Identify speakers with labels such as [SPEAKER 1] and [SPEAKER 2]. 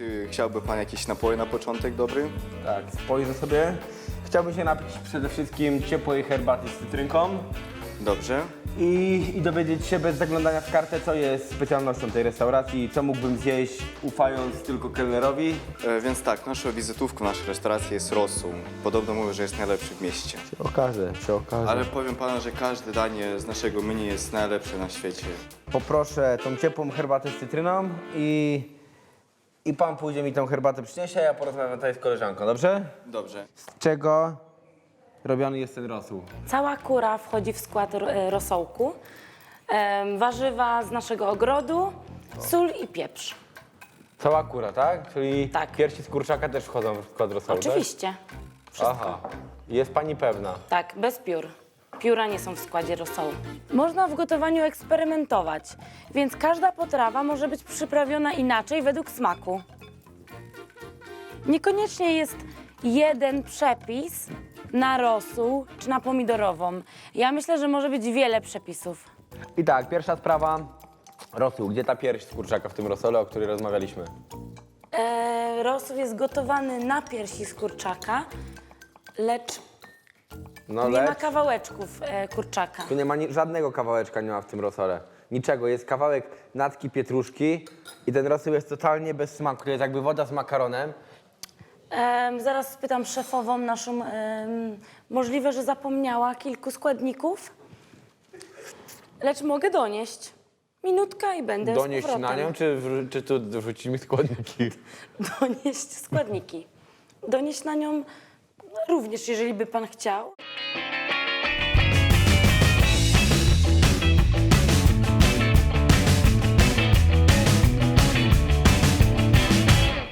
[SPEAKER 1] Czy chciałby pan jakieś napoje na początek dobry?
[SPEAKER 2] Tak, spojrzę sobie. Chciałbym się napić przede wszystkim ciepłej herbaty z cytrynką
[SPEAKER 1] Dobrze.
[SPEAKER 2] i dowiedzieć się bez zaglądania w kartę, co jest specjalnością tej restauracji, co mógłbym zjeść, ufając tylko kelnerowi.
[SPEAKER 1] Więc tak, naszą wizytówką naszej restauracji jest rosół. Podobno mówią, że jest najlepszy w mieście.
[SPEAKER 2] Przy okazji.
[SPEAKER 1] Ale powiem panu, że każde danie z naszego menu jest najlepsze na świecie.
[SPEAKER 2] Poproszę tą ciepłą herbatę z cytryną i pan pójdzie mi tą herbatę przyniesie, a ja porozmawiam tutaj z koleżanką, dobrze?
[SPEAKER 1] Dobrze.
[SPEAKER 2] Z czego robiony jest ten rosół?
[SPEAKER 3] Cała kura wchodzi w skład rosołku. Warzywa z naszego ogrodu, sól i pieprz.
[SPEAKER 2] Cała kura, tak? Czyli
[SPEAKER 3] Tak.
[SPEAKER 2] piersi z kurczaka też wchodzą w skład rosołu,
[SPEAKER 3] Oczywiście.
[SPEAKER 2] tak? Aha. Jest pani pewna?
[SPEAKER 3] Tak, bez piór. Pióra nie są w składzie rosołu. Można w gotowaniu eksperymentować, więc każda potrawa może być przyprawiona inaczej według smaku. Niekoniecznie jest jeden przepis na rosół czy na pomidorową. Ja myślę, że może być wiele przepisów.
[SPEAKER 2] I tak, pierwsza sprawa. Rosół. Gdzie ta pierś z kurczaka w tym rosole, o której rozmawialiśmy?
[SPEAKER 3] Rosół jest gotowany na piersi z kurczaka, lecz
[SPEAKER 2] No
[SPEAKER 3] nie ma
[SPEAKER 2] lecz
[SPEAKER 3] kawałeczków kurczaka.
[SPEAKER 2] tu nie ma żadnego kawałeczka nie ma w tym rosole. Niczego. Jest kawałek natki pietruszki i ten rosół jest totalnie bez smaku. To jest jakby woda z makaronem.
[SPEAKER 3] Zaraz spytam szefową naszą. Możliwe, że zapomniała kilku składników, lecz mogę donieść. Minutka i będę
[SPEAKER 2] Donieść
[SPEAKER 3] z powrotem.
[SPEAKER 2] na nią, czy tu wrzucić mi składniki?
[SPEAKER 3] Donieść składniki. Donieść na nią również, jeżeli by pan chciał.